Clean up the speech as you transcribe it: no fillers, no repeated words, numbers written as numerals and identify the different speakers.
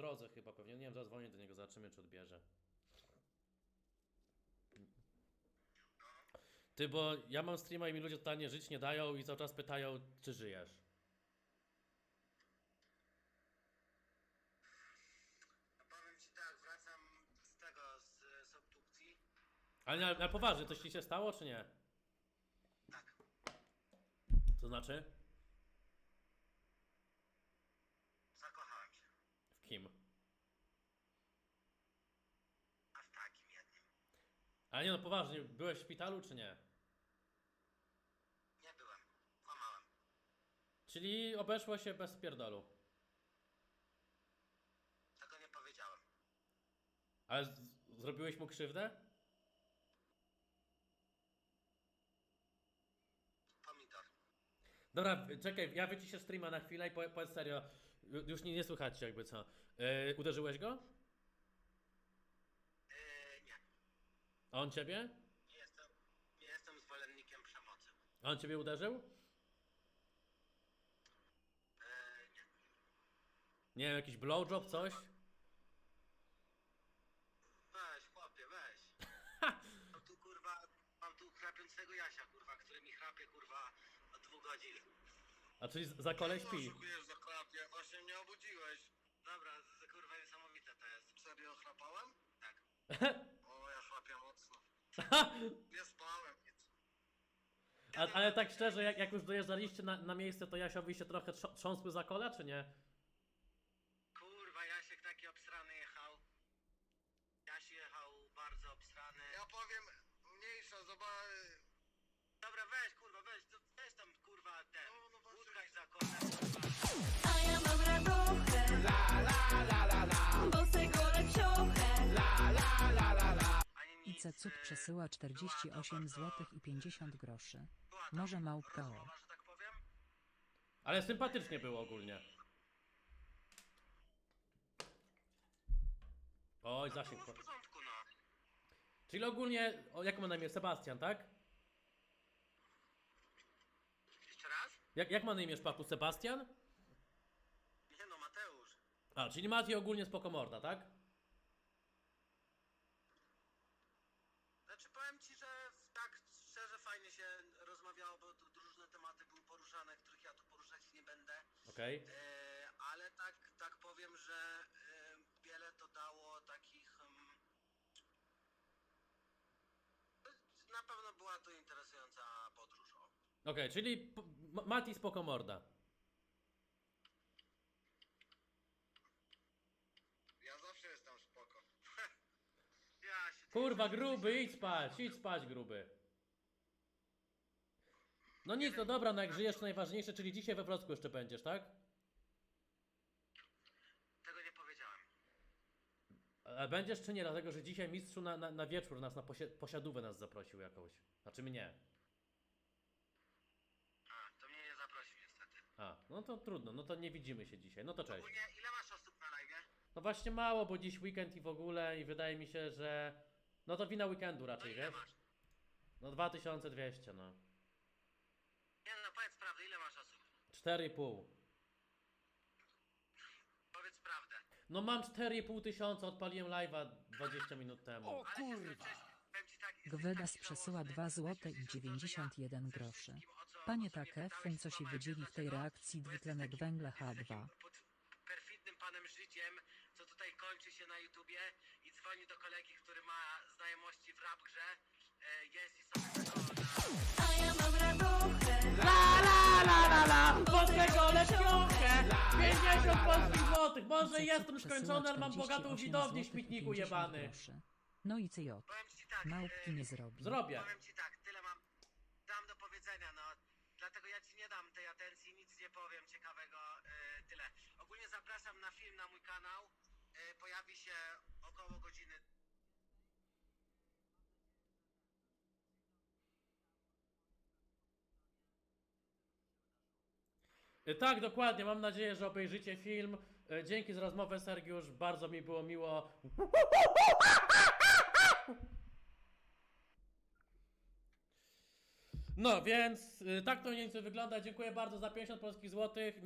Speaker 1: drodze chyba pewnie. Nie wiem, zadzwonię do niego, zobaczymy czy odbierze. Ty, bo ja mam streama i mi ludzie totalnie żyć nie dają i cały czas pytają, czy żyjesz.
Speaker 2: Powiem ci tak, wracam z obdukcji.
Speaker 1: Ale na poważnie, coś ci się stało, czy nie?
Speaker 2: Tak.
Speaker 1: To znaczy?
Speaker 2: Zakochałem się.
Speaker 1: W kim?
Speaker 2: A w takim jednym.
Speaker 1: Ale nie no, poważnie, byłeś w szpitalu, czy nie?
Speaker 2: Nie byłem. Kłamałem.
Speaker 1: Czyli obeszło się bez pierdolu.
Speaker 2: Tego nie powiedziałem.
Speaker 1: Ale zrobiłeś mu krzywdę?
Speaker 2: Pomidor.
Speaker 1: Dobra, czekaj, ja wyciszę streama na chwilę i powiedz serio. Już nie słychać jakby co. Uderzyłeś go?
Speaker 2: Nie.
Speaker 1: A on ciebie?
Speaker 2: Nie jestem zwolennikiem przemocy.
Speaker 1: A on ciebie uderzył?
Speaker 2: Nie.
Speaker 1: Nie wiem, jakiś blowjob, coś?
Speaker 2: Weź, chłopie, weź. Mam tu chrapiącego Jasia, kurwa, który mi chrapie, kurwa, od 2 godzin.
Speaker 1: A czyli za kolej śpi?
Speaker 2: Oszukujesz za chrapie, właśnie mnie obudziłeś. Dobra, kurwa, niesamowite to jest. Serio chrapałem? Tak. O, ja chrapię mocno. Nie spałem nic.
Speaker 1: Ale tak szczerze, jak już dojeżdżaliście na miejsce, to Jasiowi się trochę trząsły za kola, czy nie?
Speaker 2: Kurwa, Jasiek taki obsrany jechał. Jasi jechał bardzo obsrany. Ja powiem, mniejsza, zobacz. Dobra, weź, kurwa, weź tam, kurwa, ten. Utkaj za konem.
Speaker 3: A ja mam radochę, la la la la la, bosego lepsiochę, la la la la la.
Speaker 4: IC Cud przesyła 48 zł i 50 groszy. Może małpka.
Speaker 2: Rozmowa, że tak powiem?
Speaker 1: Ale sympatycznie było ogólnie. Oj, zasięg.
Speaker 2: Było w porządku, no.
Speaker 1: Czyli ogólnie, jak ma na imię? Sebastian, tak?
Speaker 2: Jeszcze raz?
Speaker 1: Jak ma na imię szpaku? Sebastian?
Speaker 2: Nie no, Mateusz.
Speaker 1: A, czyli Mati ogólnie spoko morda, tak?
Speaker 2: Znaczy powiem ci, że tak szczerze fajnie się rozmawiało, bo tu różne tematy były poruszane, których ja tu poruszać nie będę.
Speaker 1: Okej.
Speaker 2: Ale tak powiem, że wiele to dało takich... na pewno była to interesująca podróż. O.
Speaker 1: Okej, czyli Mati spoko morda.
Speaker 2: Ja zawsze jestem spoko. Ja się
Speaker 1: Kurwa, gruby, idź spać, gruby. No nic, no dobra, no jak żyjesz to najważniejsze, czyli dzisiaj we Wrocku jeszcze będziesz, tak?
Speaker 2: Tego nie powiedziałem.
Speaker 1: A będziesz czy nie? Dlatego, że dzisiaj mistrzu na wieczór nas, na posiadówę nas zaprosił jakąś. Znaczy mnie.
Speaker 2: A, to mnie nie zaprosił niestety.
Speaker 1: A, no to trudno, no to nie widzimy się dzisiaj, no to cześć.
Speaker 2: Ogólnie ile masz osób na live?
Speaker 1: No właśnie mało, bo dziś weekend i w ogóle i wydaje mi się, że... No to wina weekendu
Speaker 2: No
Speaker 1: raczej,
Speaker 2: ile
Speaker 1: wiesz?
Speaker 2: masz?
Speaker 1: No 2200, no.
Speaker 2: Nie no, powiedz prawdę, ile masz osób?
Speaker 1: 4,5.
Speaker 2: Powiedz prawdę.
Speaker 1: No mam 4,5 tysiąca, odpaliłem live'a 20 minut temu.
Speaker 2: Ale kurwa. Powiem ci tak, jesteś
Speaker 4: Gwedas
Speaker 2: taki
Speaker 4: przesyła
Speaker 2: żałosny,
Speaker 4: 2 zł
Speaker 2: jesteś
Speaker 4: i
Speaker 2: ze
Speaker 4: 91
Speaker 2: ze
Speaker 4: groszy.
Speaker 2: wszystkim,
Speaker 4: Panie
Speaker 2: o co mnie
Speaker 4: takie,
Speaker 2: pytałeś,
Speaker 4: fun co się
Speaker 2: skłamałem.
Speaker 4: wydzieli w tej
Speaker 2: Dlaczego?
Speaker 4: reakcji
Speaker 2: Bo jesteś
Speaker 4: dwutlenek
Speaker 2: takim-
Speaker 4: węgla
Speaker 2: jesteś
Speaker 4: H2.
Speaker 2: takim perfidnym panem życiem, co tutaj kończy się na YouTubie i dzwoni do kolegi, który ma znajomości w rap grze, jest i sobie tego
Speaker 3: a ja mam radochę,
Speaker 1: Bosego lepiochę! 50 polskich złotych! Może
Speaker 4: IC
Speaker 1: jestem
Speaker 4: Cud przesyła
Speaker 1: skończony, ale mam bogatą
Speaker 4: 48
Speaker 1: widownię,
Speaker 4: złotych i
Speaker 1: śmietniku
Speaker 4: 50
Speaker 1: jebany.
Speaker 4: groszy. No i CJ.
Speaker 2: Powiem ci tak,
Speaker 4: Małpki nie zrobi.
Speaker 1: Zrobię.
Speaker 2: powiem ci tak, tyle dam do powiedzenia, no. Dlatego ja ci nie dam tej atencji, nic nie powiem ciekawego, tyle. Ogólnie zapraszam na film na mój kanał, pojawi się około godziny.
Speaker 1: Tak, dokładnie, mam nadzieję, że obejrzycie film. Dzięki za rozmowę, Sergiusz, bardzo mi było miło. No, więc tak to mniej więcej wygląda. Dziękuję bardzo za 50 polskich złotych.